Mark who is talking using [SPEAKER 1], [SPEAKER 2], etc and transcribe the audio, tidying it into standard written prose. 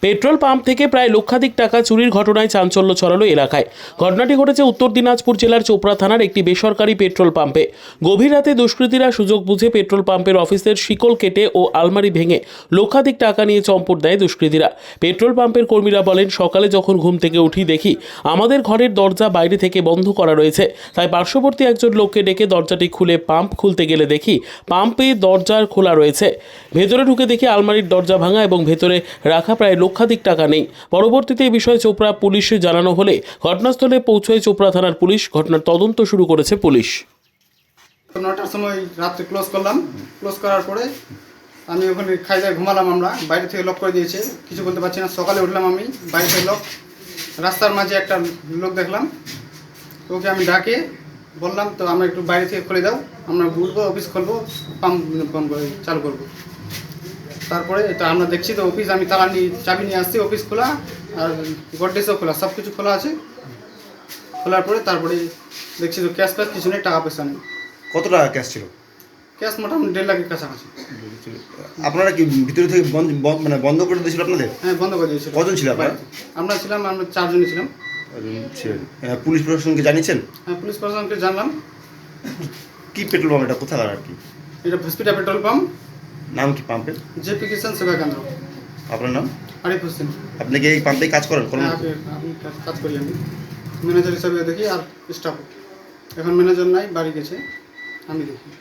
[SPEAKER 1] Petrol pump থেকে প্রায় লক্ষাধিক টাকা চুরির ঘটনায় চাঞ্চল্য ছড়ালো এলাকায়। ঘটনাটি ঘটেছে উত্তর দিনাজপুর জেলার চোপড়া থানার একটি বেসরকারি পেট্রোল পাম্পে। গভীর রাতে দুষ্কৃতীরা সুযোগ বুঝে পেট্রোল পাম্পের অফিসের শিকল কেটে ও আলমারি ভেঙে লক্ষাধিক টাকা নিয়ে চম্পট দেয় দুষ্কৃতীরা। পেট্রোল পাম্পের কর্মীরা বলেন, সকালে যখন ঘুম থেকে উঠি দেখি আমাদের ঘরের দরজা বাইরে থেকে বন্ধ করা রয়েছে। তাই পার্শ্ববর্তী একজন লোককে ডেকে দরজাটি খুলে পাম্প খুলতে গেলে দেখি পাম্পে দরজার খোলা রয়েছে। ভেতরে ঢুকে দেখি আলমারির দরজা ভাঙা এবং ভেতরে রাখা প্রায় লক্ষাধিক টাকা নেই। পরবর্তীতে এই বিষয়ে চোপড়া পুলিশে জানানো হলে ঘটনাস্থলে পৌঁছয় চোপড়া থানার পুলিশ। ঘটনার তদন্ত শুরু করেছে পুলিশ।
[SPEAKER 2] 9টার সময় রাত্রে ক্লোজ করলাম। ক্লোজ করার পরে আমি ওখানে খাইয়ে ঘুমালাম। আমরা বাইরে থেকে লক করে দিয়েছে, কিছু বলতে পারছি না। সকালে উঠলাম, আমি বাইরে থেকে লক। রাস্তার মাঝে একটা লোক দেখলাম, ওকে আমি ডাকে বললাম, তো আমরা একটু বাইরে থেকে খুলে দাও, আমরা উঠবো, অফিস খুলবো, পাম্প বন্ধ করে চালু করবো। তারপরে এটা আমরা দেখছি তো অফিস, আমি তালা নিয়ে চাবি নিয়ে আসছি, অফিস খোলা আর গডরেজও খোলা, সব কিছু খোলা আছে। খোলার পরে তারপরে দেখছি তো ক্যাশ ফ্যাশ কিছু নেই, টাকা পয়সা নেই।
[SPEAKER 3] কত টাকা ক্যাশ ছিল?
[SPEAKER 2] ক্যাশ মোটামুটি 1.5 লাখের কাছাকাছি।
[SPEAKER 3] আপনারা কি ভিতরে থেকে মানে বন্ধ করে দিয়েছিল আপনাদের?
[SPEAKER 2] হ্যাঁ, বন্ধ করে দিয়েছিল।
[SPEAKER 3] কজন ছিল আপনারা?
[SPEAKER 2] আমরা 4 জনই ছিলাম।
[SPEAKER 3] পুলিশ প্রশাসনকে জানিয়েছেন?
[SPEAKER 2] হ্যাঁ, পুলিশ প্রশাসনকে জানলাম।
[SPEAKER 3] কি পেট্রোল পাম্প এটা, কোথাকার আর কি?
[SPEAKER 2] এটা হসপিটাল পেট্রোল পাম্প।
[SPEAKER 3] নাম কি পাম্পের?
[SPEAKER 2] জেপি কিষান সেবা কেন্দ্র।
[SPEAKER 3] আপনার নাম?
[SPEAKER 2] আরিফ হোসেন।
[SPEAKER 3] আপনি কি এই পাম্পে কাজ করেন?
[SPEAKER 2] হ্যাঁ, আমি কাজ করি, আমি ম্যানেজার হিসাবে দেখি আর স্টাফ। এখন ম্যানেজার নাই, বাড়ি গেছে, আমি দেখি।